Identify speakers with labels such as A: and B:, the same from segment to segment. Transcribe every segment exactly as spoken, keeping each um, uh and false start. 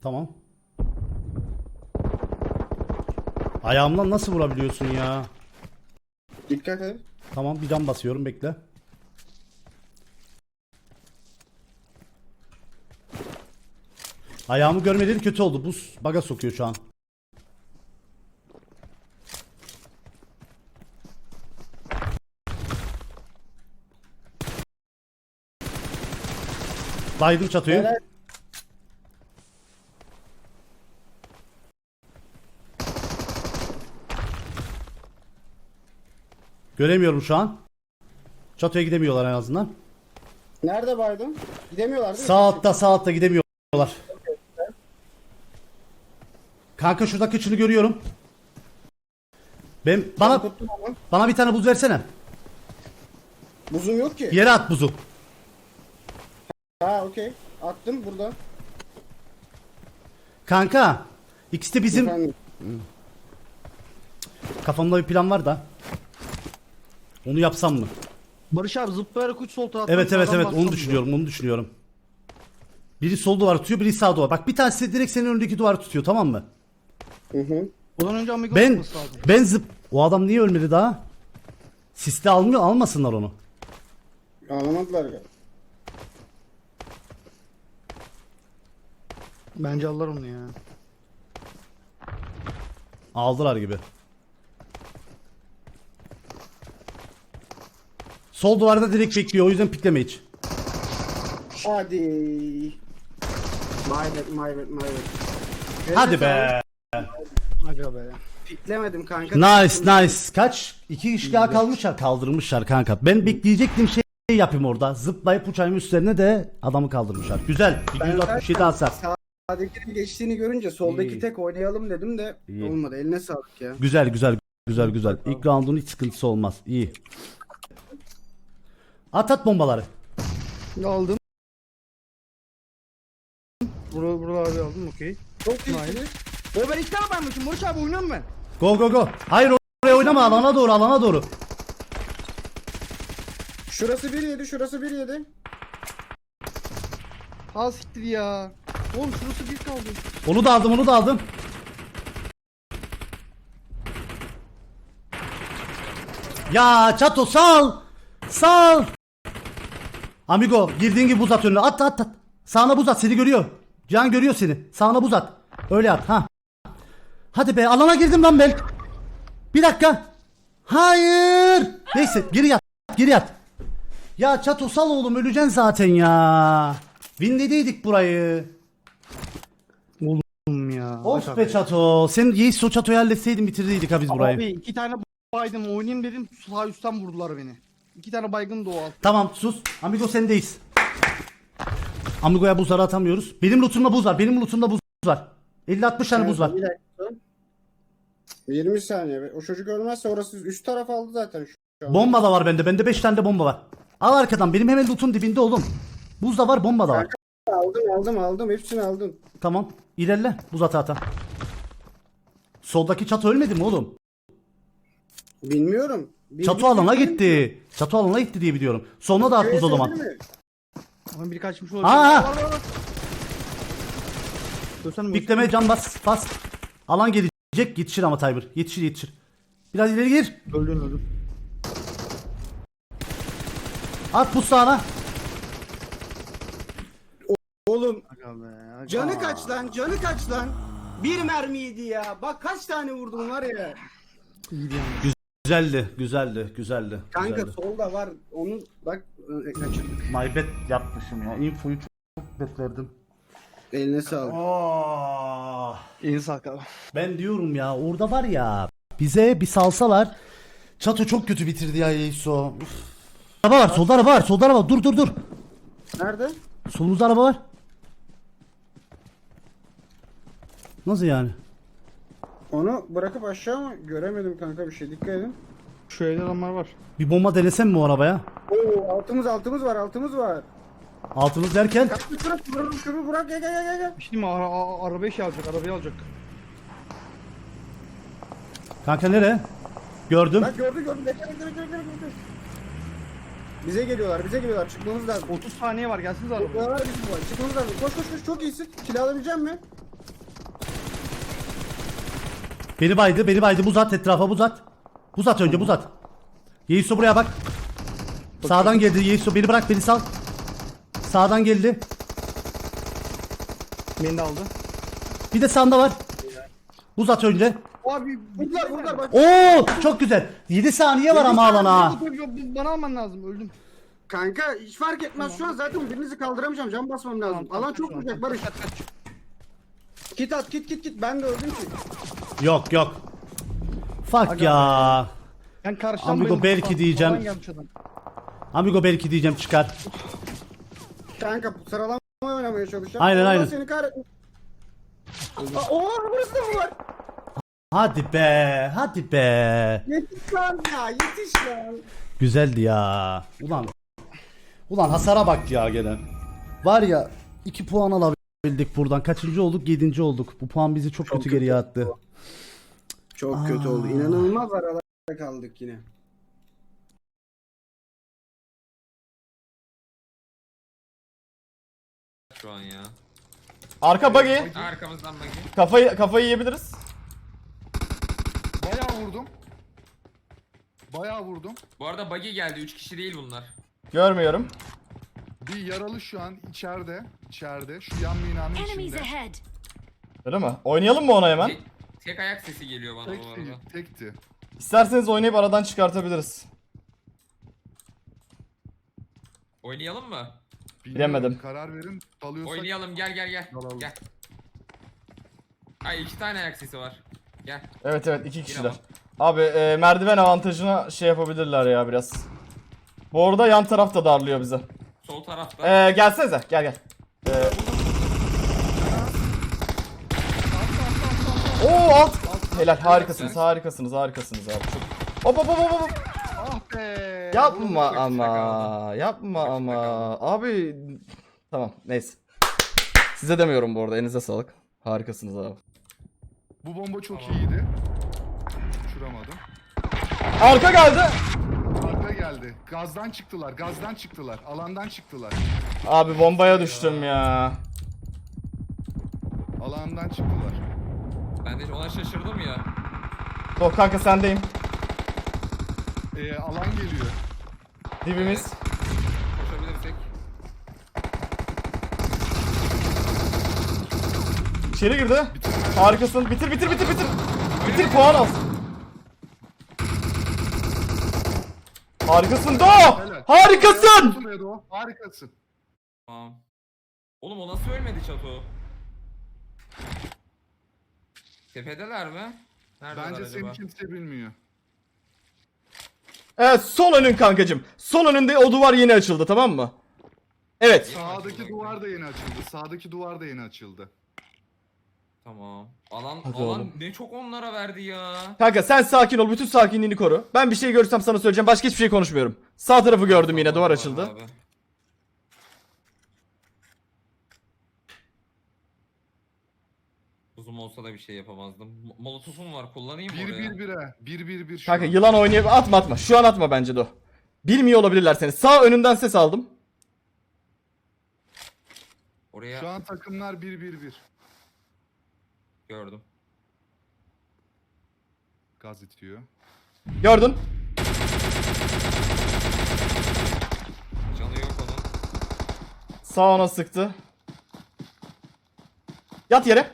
A: Tamam. Ayağımdan nasıl vurabiliyorsun ya?
B: Dikkat et.
A: Tamam, bir cam basıyorum, bekle. Ayağımı görmeleri kötü oldu. Buz baga sokuyor şu an. Baydım çatıyı.
B: Helal.
A: Göremiyorum şu an. Çatıya gidemiyorlar en azından.
B: Nerede baydın? Gidemiyorlar değil mi?
A: Sağ altta, sağ altta gidemiyorlar. Kanka şuradaki kıçını görüyorum. Ben bana
B: Tuttum ama.
A: bana bir tane buz versene.
B: Buzum yok ki.
A: Yere at buzu.
B: Ha okey. Attım burada.
A: Kanka, ikisi de bizim
B: Efendim.
A: kafamda bir plan var da. Onu yapsam mı?
C: Barış abi zıplayarak uç sol taraftan.
A: Evet evet
C: sağdan
A: evet,
C: bassam
A: onu düşünüyorum, onu düşünüyorum. Biri sol duvar tutuyor, biri sağ duvar. Bak bir tanesi direkt senin önündeki duvarı tutuyor, tamam mı?
B: Hı hı.
C: Ondan önce Amigo
A: Ben
C: yapması lazım.
A: ben zıp o adam niye ölmedi daha? Siste almıyor, almasınlar onu.
B: Anlamadılar ya.
C: Bence alırlar onu ya.
A: Aldılar gibi. Sol duvarda direkt bekliyor, o yüzden pikleme hiç.
B: Hadi. My bad, my bad, my bad.
A: Hadi be.
C: Aga be.
B: Piklemedim kanka.
A: Nice nice. Kaç? İki kişi daha kalmışlar. Kaldırmışlar kanka. Ben bekleyecektim şey yapayım orada. Zıplayıp uçağın üstlerine de adamı kaldırmışlar. Güzel.
B: Ben
A: yüz altmış yedi hasar.
B: Sağdakinin geçtiğini görünce soldaki
A: İyi.
B: tek oynayalım dedim de
A: İyi.
B: olmadı. Eline sağlık ya.
A: Güzel güzel güzel güzel. İlk roundun hiç sıkıntısı olmaz. İyi. At at bombaları.
C: Aldım. Burada burada abi aldım okey.
B: Çok iyi.
C: Nice. O ben iki tane baymışım Barış abi oynuyorum ben.
A: Go go go. Hayır oraya oynama, alana doğru alana doğru.
B: Şurası bir yedi, şurası bir yedi.
C: Ha siktir ya. Oğlum şurası bir kaldı.
A: Onu da aldım onu da aldım. Ya Çato sal. Sal. Amigo girdiğin gibi buz at önüne. At at at. Sağına buz at, seni görüyor. Can görüyor seni. Sağına buz at. Öyle at ha. Hadi be, alana girdim lan ben. Bir dakika. Hayır. Neyse geri yat. Geri yat. Ya Çato sal oğlum, öleceksin zaten ya. Winledeydik burayı.
C: Oğlum ya.
A: Of
C: Bak
A: be
C: abi.
A: Çato. Sen Yeis o Çato'yu halletseydin bitirdiydik ha biz burayı.
C: Abi iki tane baydım oynayayım dedim sağ üstten vurdular beni. İki tane baygın da o alt.
A: Tamam sus. Amigo sendeyiz. Amigo'ya buzları atamıyoruz. Benim lootumda buz var. Benim lootumda buz var. elli altmış tane buz var.
B: Bir dakika. yirmi saniye. be. O çocuk ölmezse orası üst taraf aldı zaten şu an.
A: Bomba da var bende. Bende beş tane de bomba var. Al arkadan. Benim hemen loot'un dibinde oğlum. Buz da var, bomba da var.
B: Aldım aldım aldım. Hepsini aldım.
A: Tamam. İlerle. Buz ata ata. Soldaki Çato ölmedi mi oğlum?
B: Bilmiyorum. Bir-
A: Çato
B: bir-
A: alana
B: bir-
A: gitti. Çato alana gitti diye biliyorum. Sonuna da at buz o zaman.
B: Değil mi?
C: Ama biri kaçmış olabilir.
A: Aa!
C: Var, var, var. Gösterme,
A: Bikleme can bas. Bas. Alan gelecek. Yetişir ama Tiber. Yetişir yetişir. Biraz ileri gir.
C: Öldün öldün.
A: At buz sağına.
B: Oğlum
C: Aga be. Aga.
B: canı kaç lan? Canı kaç lan? Bir mermiydi ya. Bak kaç tane vurdum var ya.
C: İyiydi yani.
A: Güzeldi. Güzeldi. Güzeldi.
B: Kanka
A: güzeldi.
B: solda var. Onu bak e, kaçırdık.
A: My bad yapmışım ya. Infoyu çok beklerdim.
B: Eline sağlık.
A: Oh.
C: İyi sağlık abi.
A: Ben diyorum ya, orada var ya, bize bir salsalar. Çato çok kötü bitirdi ya Yeiso. Üf. Araba var, solda araba var, solda araba var. Dur dur dur.
B: Nerede?
A: Solumuzda araba var. Nasıl yani?
B: Onu bırakıp aşağı mı? Göremedim kanka bir şey. Dikkat edin.
C: Şu evde adamlar var.
A: Bir bomba denesem mi o arabaya?
B: Oo altımız altımız var altımız var.
A: Altımız derken
B: Kanka bırak bırak şunu bırak gel gel gel gel.
C: Bir şey diyeyim mi? Ara, ara, arabayı şey alacak, arabayı alacak.
A: kanka nereye? Gördüm.
B: Bak gördü gördü. Bekle bekle bekle bekle. bekle. Bize geliyorlar bize geliyorlar. Çıkmamız lazım.
C: otuz saniye var gelsiniz arabaya.
B: Var bizim var. Çıkmamız lazım. Koş koş koş çok iyisin. Kill alabilecek misin?
A: Beni baydı, beni baydı. Buz at, etrafa buz at. Buz at önce, buz at. Yeiso buraya bak. Sağdan geldi Yeiso, beni bırak, beni sal. Sağdan geldi.
C: Beni de aldı.
A: Bir de sağında var. Buz at önce.
C: Abi vurdular vurdular bak.
A: Oo, çok güzel. yedi saniye var ama alana.
C: Bana alman lazım, öldüm.
B: Kanka hiç fark etmez şu an zaten birinizi kaldıramayacağım. Can basmam lazım. Alan çok vuracak Barış. Kit at kit kit kit. Ben de öldüm ki.
A: Yok yok. Fuck ya.
C: Ben karşıdan
A: Amigo
C: bayıldım.
A: belki
C: Falan
A: diyeceğim.
C: gelmiş adam.
A: Amigo belki diyeceğim, çıkar.
B: Kanka sıralama oynamaya çalışacağım.
A: Aynen,
B: Allah
A: aynen.
B: Seni kahretsin. Aa, oha burası da mı var?
A: Hadi be, hadi be.
B: Yetiş lan ya yetiş lan.
A: Güzeldi ya. Ulan. Ulan hasara bak ya gene. Var ya, iki puan alabildik buradan. Kaçıncı olduk? Yedinci olduk. Bu puan bizi çok,
B: Çok
A: kötü
B: kötü.
A: geriye attı.
B: Çok kötü oldu. İnanılmaz aralarda kaldık yine.
D: Şu an ya.
E: Arka buggy.
D: Arkamızdan bakayım.
E: Kafayı kafayı yiyebiliriz.
F: Bayağı vurdum. Bayağı vurdum.
D: Bu arada buggy geldi. üç kişi değil bunlar.
E: Görmüyorum.
F: Bir yaralı şu an içeride. İçeride. Şu yan binanın
G: Enemies
F: içinde.
G: ahead.
E: Öyle mi? Oynayalım mı ona hemen?
D: Tek, tek ayak sesi geliyor bana bu
F: Tekti.
D: arada.
F: Tekti.
E: İsterseniz oynayıp aradan çıkartabiliriz.
D: Oynayalım mı?
F: Bilmiyorum,
E: Bilemedim.
F: Karar verin. Dalıyorsak.
D: Oynayalım, gel gel gel.
F: Dalalım.
D: Gel. Ay iki tane ayak sesi var. Gel.
E: Evet evet iki kişiler.
D: Yine
E: Abi e, merdiven avantajına şey yapabilirler ya biraz. Bu arada yan taraf da darlıyor bize.
D: Sol tarafta.
E: E, gelsenize gel gel. E, Oo alt. Helal harikasınız harikasınız harikasınız abi. Çok... Hop hop hop hop hop.
F: Ah be.
E: Yapma
F: Vurdum.
E: ama yapma ama abi tamam neyse. Size demiyorum bu arada, elinize sağlık. Harikasınız abi.
F: Bu bomba çok iyiydi. Uçuramadım.
E: Arka geldi.
F: Arka geldi. Gazdan çıktılar. Gazdan çıktılar. Alandan çıktılar.
E: Abi bombaya düştüm ya.
F: Alandan çıktılar.
D: Ben de ona şaşırdım ya.
E: Dur kanka sendeyim.
F: Ee, alan geliyor.
E: Dibimiz.
D: Koşabilirsek.
E: İçeri girdi. Harikasın. Bitir bitir bitir bitir. Bitir puan al. Harikasın Do.
F: Helal.
E: Harikasın.
F: Helal olsun. Harikasın.
D: Tamam. Oğlum o nasıl ölmedi Çato? Tepedeler mi? Neredeler
F: Bence
D: acaba?
F: seni kimse bilmiyor.
E: Evet sol önün kankacım. Sol önünde o duvar yeni açıldı, tamam mı? Evet.
F: Sağdaki duvar da yeni açıldı. Sağdaki duvar da yeni açıldı.
D: Tamam. Alan
E: Hadi
D: alan
E: oğlum.
D: ne çok onlara verdi ya.
E: Kanka sen sakin ol. Bütün sakinliğini koru. Ben bir şey görürsem sana söyleyeceğim. Başka hiçbir şey konuşmuyorum. Sağ tarafı gördüm yine. Duvar açıldı.
D: Abi. Uzun olsa da bir şey yapamazdım. Mo- Molotofum var, kullanayım mı
F: Bir
D: oraya?
F: bir bire. Bir bir bir şu
E: Kanka
F: an.
E: yılan oynayıp atma atma. Şu an atma bence de o. Bilmiyor olabilirler seni. Sağ önünden ses aldım.
D: Oraya
F: Şu an takımlar bir bir bir.
D: gördüm.
F: Gaz itiyor.
E: Gördün.
D: Canı yok onun.
E: Sağ ona sıktı. Yat yere.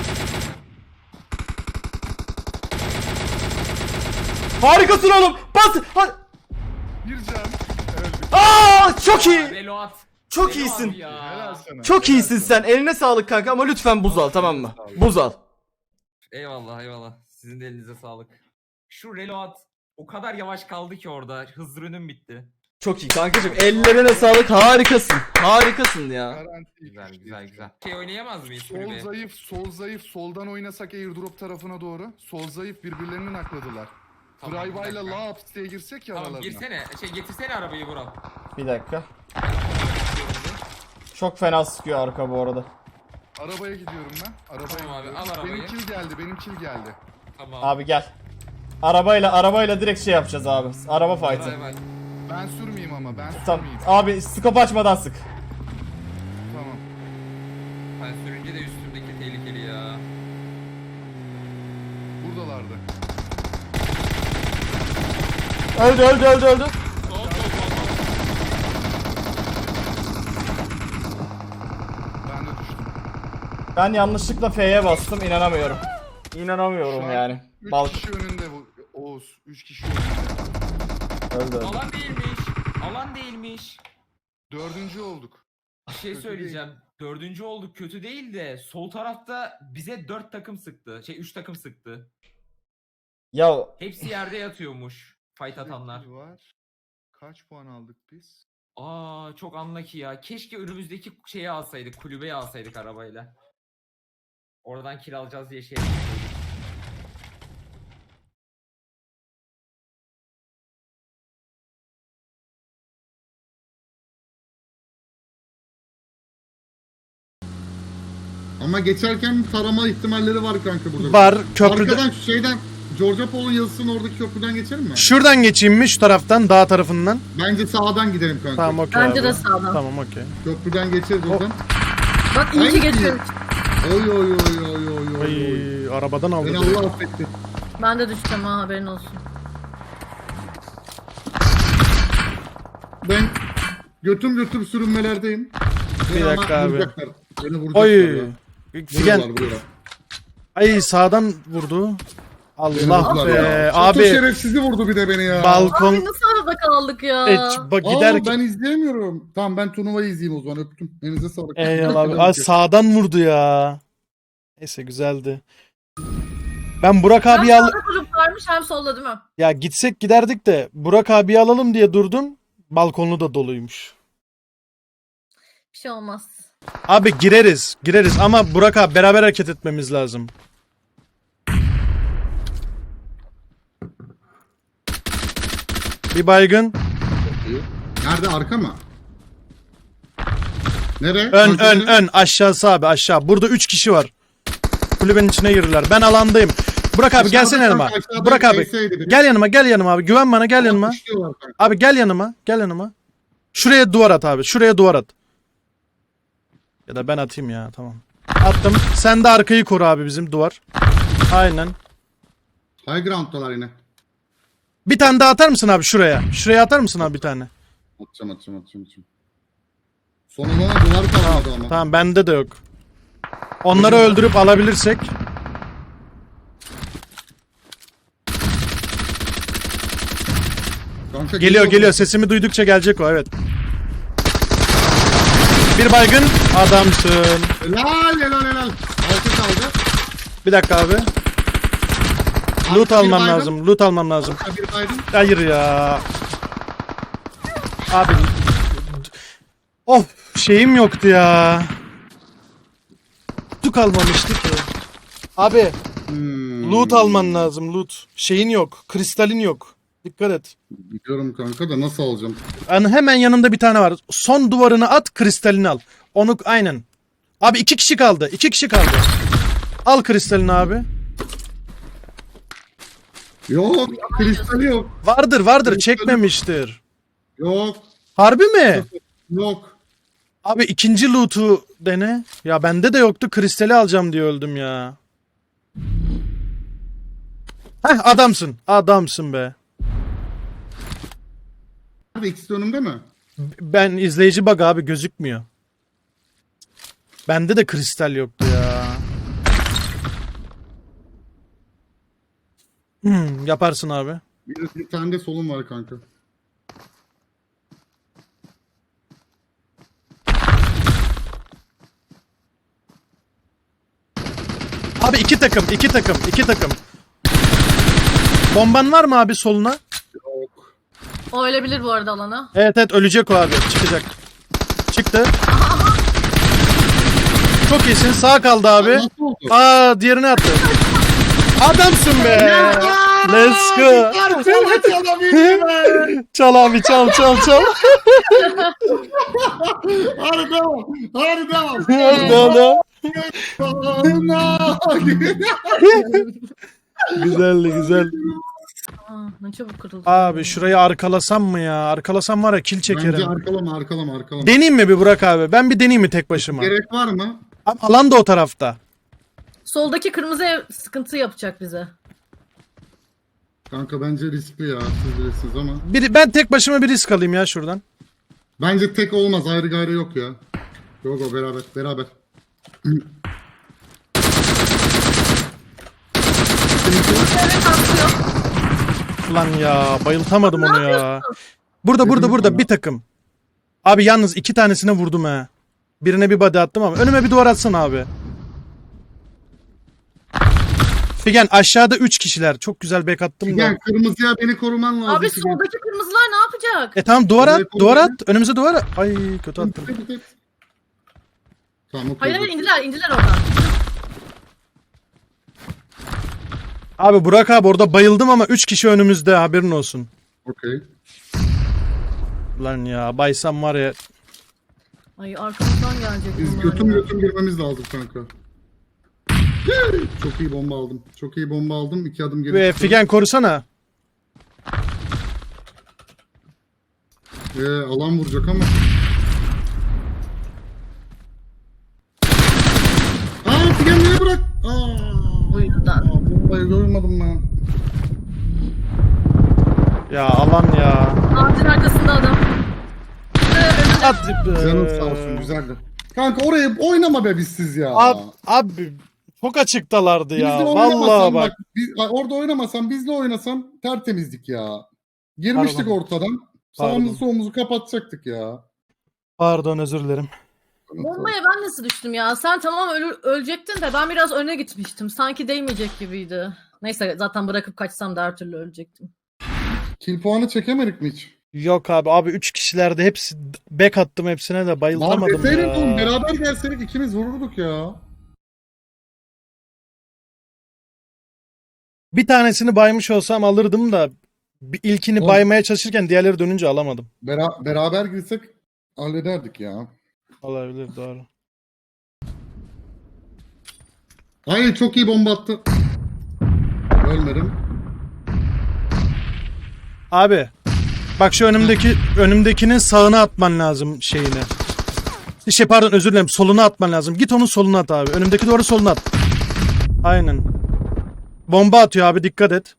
E: Harikasın oğlum. Bas. Ha-
F: Bir can. Öldü.
E: Aa, çok iyi.
D: Reload.
E: Çok
D: Reload
E: iyisin.
D: ya.
F: Helal sana.
E: Çok
F: helal
E: iyisin
F: sana.
E: sen. Eline sağlık kanka ama lütfen buz al, tamam mı? Buz al.
D: Eyvallah eyvallah. Sizin de elinize sağlık. Şu reload o kadar yavaş kaldı ki orada. Hız ürünüm bitti.
E: Çok iyi kankacığım. Ellerine sağlık. Harikasın. Harikasın ya.
F: Garanti.
D: Güzel güzel güzel. Şey oynayamaz mıyız
F: Sol
D: kulübe?
F: zayıf, sol zayıf. Soldan oynasak airdrop tarafına doğru. Sol zayıf birbirlerini nakladılar.
D: Tamam, bir
F: Drive'la
D: dakika.
F: laps diye girsek ya
D: Tamam
F: aralarına.
D: girsene. Şey getirsene arabayı Vural.
E: Bir dakika. Çok fena sıkıyor arka bu arada.
F: Arabaya gidiyorum ben. Arabaya
D: Tamam abi,
F: gidiyorum.
D: al arabayı.
F: Benim kill geldi, benim kill geldi.
D: Tamam.
E: Abi gel. Arabayla arabayla direkt şey yapacağız abi. Araba fight'ı.
D: Vay vay.
F: Ben sürmeyeyim ama, ben
E: Tamam.
F: sürmeyeyim.
E: Abi skop açmadan sık.
F: Tamam.
D: Ben sürünce de üstümdeki tehlikeli ya.
F: Buradalardı.
E: Öldü öldü öldü öldü.
F: Ben de düştüm.
E: Ben yanlışlıkla F'ye bastım, inanamıyorum.
F: Şu
E: İnanamıyorum
F: an
E: yani.
F: Üç
E: Balk
F: kişi önünde bu. Oğuz. Üç kişi önünde.
E: öldü öldü.
D: Alan değilmiş. Alan değilmiş.
F: Dördüncü olduk.
D: Bir şey
F: Kötü
D: söyleyeceğim. Dördüncü olduk, kötü değil de sol tarafta bize dört takım sıktı. Şey üç takım sıktı.
E: Ya
D: Hepsi yerde yatıyormuş. Fight atanlar.
F: Bir var. Kaç puan aldık biz?
D: Aa çok unlucky ya. Keşke önümüzdeki şeyi alsaydık. Kulübeyi alsaydık arabayla. Oradan kiralayacağız diye şey yapsaydık.
G: Ama geçerken tarama ihtimalleri var kanka burada.
H: Var köprüde.
G: Arkadan şu şeyden Georgia Paul'un yazısının oradaki köprüden geçelim mi?
H: Şuradan geçeyim mi şu taraftan dağ tarafından?
G: Bence sağdan gidelim kanka.
H: Tamam okey
I: Bence
H: abi.
I: de sağdan.
H: Tamam okey.
G: Köprüden geçeriz oradan.
I: Bak iyi ki
G: Hangisi?
I: geçiyoruz.
G: Oy oy oy oy oy oy. oy.
H: Ay arabadan aldı.
G: Beni Allah affetti.
I: Ben de düşeceğim ha, haberin olsun.
G: Ben götüm götüm sürünmelerdeyim.
H: Bir
G: Beni
H: dakika
G: ama
H: abi.
G: vuracaklar. Beni vuracaklar
H: Oy.
G: ya.
H: Figen.
G: Vuruyorlar, vuruyorlar.
H: Ay sağdan vurdu.
G: Beni
H: Allah
G: vurdular
H: be.
G: ya. Çatı
H: Abi
G: şerefsizi vurdu bir de beni ya.
H: balkon.
I: Abi nasıl arada kaldık ya?
H: E, bak
G: Aa,
H: gider
G: ben izleyemiyorum. Tamam ben turnuvayı izleyeyim o zaman öptüm. Elinize sağlık.
H: Eyvallah abi. Ay, sağdan vurdu ya. Neyse güzeldi. Ben Burak
I: Hem
H: abi al
I: sağda grup varmış hem solda değil mi?
H: ya gitsek giderdik de Burak abi alalım diye durdum. Balkonlu da doluymuş.
I: Bir şey olmaz.
H: Abi gireriz, gireriz ama Burak abi beraber hareket etmemiz lazım. Bir baygın.
G: Nerede arka mı? Nere?
H: Ön
G: Arka
H: ön
G: nere?
H: ön aşağısı abi aşağı. Burada üç kişi var. Kulübenin içine girdiler. Ben alandayım. Burak abi
G: Aşağıda
H: gelsene yanıma.
G: kanka, aşağıda
H: Burak abi
G: Neyse'ydi biri.
H: gel yanıma gel yanıma abi. Güven bana gel yanıma.
G: Kuşluyorlar kanka.
H: Abi gel yanıma gel yanıma. Şuraya duvar at abi. Şuraya duvar at. Ya da ben atayım ya tamam. Attım. Sen de arkayı koru abi bizim duvar. Aynen.
G: High ground'dalar yine.
H: Bir tane daha atar mısın abi şuraya? Şuraya atar mısın abi bir tane?
G: Atacağım atacağım atacağım. atacağım. Sonra bana duvar kalmadı ama.
H: Tamam bende de yok. Onları öldürüp alabilirsek.
G: Kanka,
H: Geliyor geliyor sesimi duydukça gelecek o evet. Bir baygın adamsın.
G: Helal helal helal. Altı kaldı.
H: Bir dakika abi. Loot
G: Arka bir
H: almam
G: baygın.
H: lazım. Loot almam lazım.
G: Arka bir baygın.
H: Hayır ya. Abi. Of şeyim yoktu ya. Loot almamıştı ki. Abi
G: Hmm.
H: loot alman lazım loot. Şeyin yok. Kristalin yok. Dikkat et.
G: Biliyorum kanka da nasıl alacağım?
H: Yani hemen yanında bir tane var. Son duvarını at kristalini al. Onu aynen. Abi iki kişi kaldı. iki kişi kaldı. Al kristalini abi.
G: Yok kristali yok.
H: Vardır vardır
G: Kristali-
H: çekmemiştir.
G: Yok
H: Harbi mi?
G: yok.
H: Abi ikinci loot'u dene. Ya bende de yoktu kristali alacağım diye öldüm ya. Heh adamsın. Adamsın be.
G: Nerede ikisi de önümde mi?
H: Ben izleyici bug abi gözükmüyor. Bende de kristal yoktu ya. Hmm, yaparsın abi.
G: Bir, bir tane de solum var kanka.
H: Abi iki takım, iki takım, iki takım. Bomban var mı abi soluna?
G: Yok.
I: O ölebilir bu arada alana.
H: Evet evet ölecek o abi. Çıkacak. Çıktı. Çok iyisin. Sağ kaldı abi.
G: Nasıl oldu?
H: Aa diğerini attı. Adamsın be. Let's go. Çal abi çal çal çal.
G: Hadi devam. Hadi devam.
H: Ne oldu? Güzeldi güzel.
I: Aa, ne çabuk kırıldı.
H: Abi şurayı arkalasam mı ya? Arkalasam var ya kill
G: Bence
H: çekerim.
G: arkalama arkalama arkalama.
H: Deneyeyim mi bir Burak abi? Ben bir deneyeyim mi tek başıma?
G: Gerek var mı?
H: Abi, alan da o tarafta.
I: Soldaki kırmızı ev sıkıntı yapacak bize.
G: Kanka bence riskli ya. Siz bilirsiniz ama.
H: Bir, ben tek başıma bir risk alayım ya şuradan.
G: Bence tek olmaz. Ayrı gayrı yok ya. Yok o beraber. Beraber.
I: Evet atlıyor.
H: Ulan ya bayıltamadım onu ya. Burada burada burada bir takım. Abi yalnız iki tanesine vurdum ha. Birine bir body attım ama önüme bir duvar atsana abi. Figen aşağıda üç kişiler. Çok güzel back attım da.
G: Figen kırmızıya beni koruman lazım.
I: Abi
G: Figen.
I: soldaki kırmızılar ne yapacak?
H: E tamam duvar at,
G: Evet,
H: duvar
G: olabilir.
H: at. Önümüze duvar at. Ay kötü attım.
G: Tek, tek. Tamam okey.
I: Hayır hayır indiler indiler oradan.
H: Abi Burak abi orada bayıldım ama üç kişi önümüzde haberin olsun.
G: Okey.
H: Lan ya baysam var ya.
I: Ay arkamızdan gelecek
G: Biz
I: bunlar
G: götüm
I: ya.
G: götüm girmemiz lazım kanka. Çok iyi bomba aldım. Çok iyi bomba aldım. İki adım geri
H: Ve
G: çıktım.
H: Figen korusana.
G: Ee, alan vuracak ama. Aa Figen niye bırak? Aa.
I: Bu yüzden.
G: Aa, bombayı görmedim ben.
H: Ya alan ya.
I: Ağacın arkasında adam. Ee,
H: At.
G: Canım sağ olsun güzeldi. Kanka oraya oynama be bizsiz ya.
H: Abi, abi çok açıktalardı ya.
G: Bizle
H: Vallahi
G: oynamasan
H: bak.
G: bak. Biz, orada oynamasan bizle oynasan tertemizdik ya. Girmiştik
H: Pardon.
G: ortadan.
H: Pardon.
G: Sağımızı solumuzu kapatacaktık ya.
H: Pardon özür dilerim.
I: Bombaya ben nasıl düştüm ya? Sen tamam ölü- ölecektin de ben biraz öne gitmiştim. Sanki değmeyecek gibiydi. Neyse zaten bırakıp kaçsam da her türlü ölecektim.
G: Kill puanı çekemedik mi hiç?
H: Yok abi abi üç kişilerde hepsi back attım hepsine de
G: Lan
H: bayıltamadım
G: deseydin oğlum
H: ya.
G: beraber gelseydik ikimiz vururduk ya.
H: Bir tanesini baymış olsam alırdım da bir ilkini
G: Oğlum.
H: baymaya çalışırken diğerleri dönünce alamadım.
G: Bera- beraber girsek hallederdik ya.
H: Olabilir doğru.
G: Ay çok iyi bomba attı. Ölmedim.
H: Abi bak şu önümdeki önümdekinin sağına atman lazım şeyini. Şey pardon özür dilerim soluna atman lazım. Git onun soluna at abi. Önümdeki doğru soluna at. Aynen. Bomba atıyor abi dikkat et.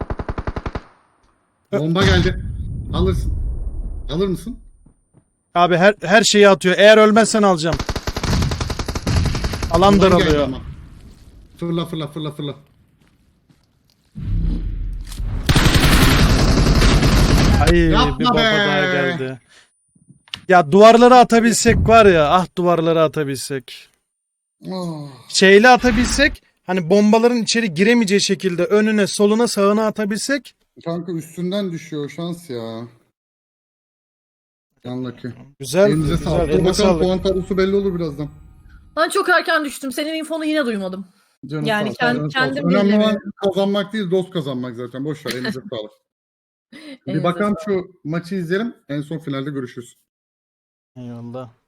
G: Bomba geldi. Alırsın. Alır mısın?
H: Abi her her şeyi atıyor. Eğer ölmezsen alacağım. Alan
G: Ulan geldi
H: daralıyor.
G: ama. Fırla fırla fırla fırla.
H: Ay
G: Yapma
H: bir baba
G: be.
H: daha geldi. Ya duvarları atabilsek var ya ah duvarları atabilsek.
G: Oh.
H: Şeyle atabilsek hani bombaların içeri giremeyeceği şekilde önüne soluna sağına atabilsek.
G: Kanka üstünden düşüyor şans ya. Yanlaki.
H: Güzel
G: Elinize
H: güzel
G: sağlık. Dur
H: eline
G: bakalım
H: sağlık.
G: puan tablosu belli olur birazdan.
I: Ben çok erken düştüm. Senin infonu yine duymadım.
G: Canım
I: Yani
G: sağ ol,
I: kend-
G: canım sağ olsun.
I: kendim
G: Önemli olan
I: bilemiyorum.
G: kazanmak değil dost kazanmak zaten. Boş ver elinize sağlık. Bir
I: Elinize
G: bakalım şu maçı izleyelim. En son finalde görüşürüz.
H: Eyvallah.